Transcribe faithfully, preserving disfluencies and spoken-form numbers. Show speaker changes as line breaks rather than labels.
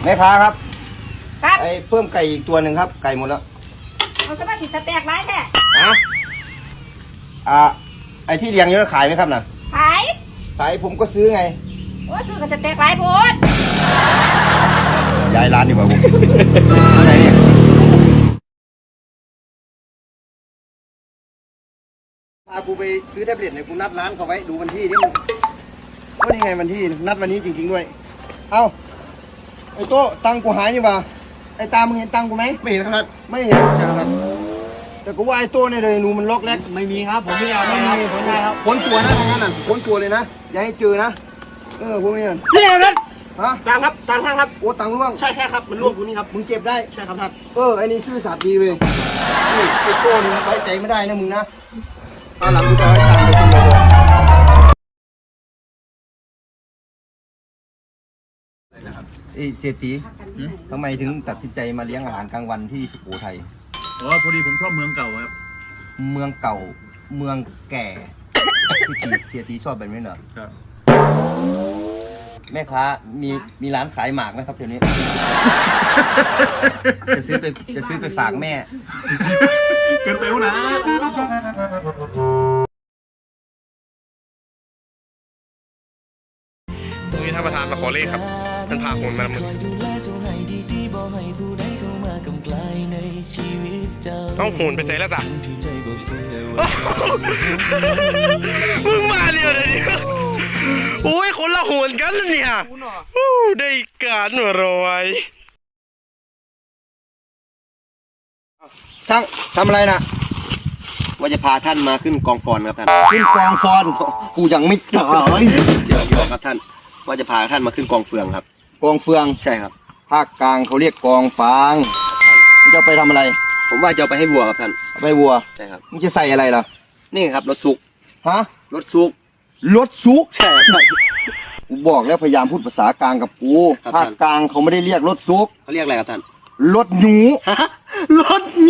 ม่ค้าครับ
ครับ
ไอ้เพิ่มไก่อีกตัวหนึ่งครับไก่หมดแล้ว
เอาสมาธิสแต็กไรแท้
ฮะอ่าไอ้ที่เลี้ยงเยอะขายไหมครับน่ะ
ขาย
ขายผมก็ซื้อไง
โอ้ซื้อกับสแต็กไรพูด
ย้ายร้านดีกว่าผมอะไรเนี่ยพากูไปซื้อแท็บเล็ตเนี่ยกูนัดร้านเขาไว้ดูวันที่นี่มันก็นี่ไงวันที่นัดวันนี้จริงๆด้วยเอ้าไอ้โต้ตังกูหายนี่บ่าไอ้ตามึงเห็นตังกูไหมไม่เห็นครับไม่เห็นใช่ครับแต่กูว่าไอ้โต้เนี่ยเลยหนูมันล็อกแรก
ไม่มีครับผมไม่เอาไม่มีผมได้ครับ
ค้นตัวนะทางนั้นน่ะค้นตัวเลยนะอย่าให้เจอนะเออพวกนี้
นี่นะ
ฮะ
ตังครับตังท่านครับ
โอ้ตังร่วง
ใช่แค่ครับมันร่วงตรงนี้ครับ
มึงเก็บได้
ใช่ครับท่าน
เออไอ้นี่ซื่อสัตย์ดีเลยนี่ไอ้โต้นี่ไว้ใจไม่ได้นะมึงนะตอนหลังมึงจะให้ตังไปกินเลยไอ้เศรษฐีทำไมถึงตัดสินใจมาเลี้ยงอาหารกลางวันที่สุโขทัย
อ๋อพอดีผมชอบเมืองเก่าครับ
เมืองเก่าเมืองแก่ที่เสียตีชอบแบบนี้เหรอ
ครับ
แม่ค้ามีมีร้านขายหมากไหมครับเดี๋ยวนี้ จะซื้อไปจะซื้อไปฝากแม่
เกินไปวะนะ
ตรงนี้ท่านประธานมาขอเลขครับท่านพาคนมามือต้องหูนไปใส่แล้วสักมึงมาเดียวเลยเนี่ยโอ้ยคนละหูนกันเนี่ยได้การหัวรอย
ช่างทำอะไรนะว่าจะพาท่านมาขึ้นกองฟอนครับท่านขึ้นกองฟอนกูยังไม่ตายเดี๋ยวบอกครับท่านว่าจะพาท่านมาขึ้นกองเฟืองครับกองเฟืองใช่ครับภาคกลางเขาเรียกกองฟางจะไปทำอะไรผมว่าจะเอาไปให้วัวครับท่านไปวัวใช่ครับมึงจะใส่อะไรล่ะนี่ครับรถซุกฮะรถซุกรถซุกใช่ครับกูบอกแล้วพยายามพูดภาษากลางกับกูภาคกลางเขาไม่ได้เรียกรถซุกเขาเรียกอะไรครับท่านรถหนูรถห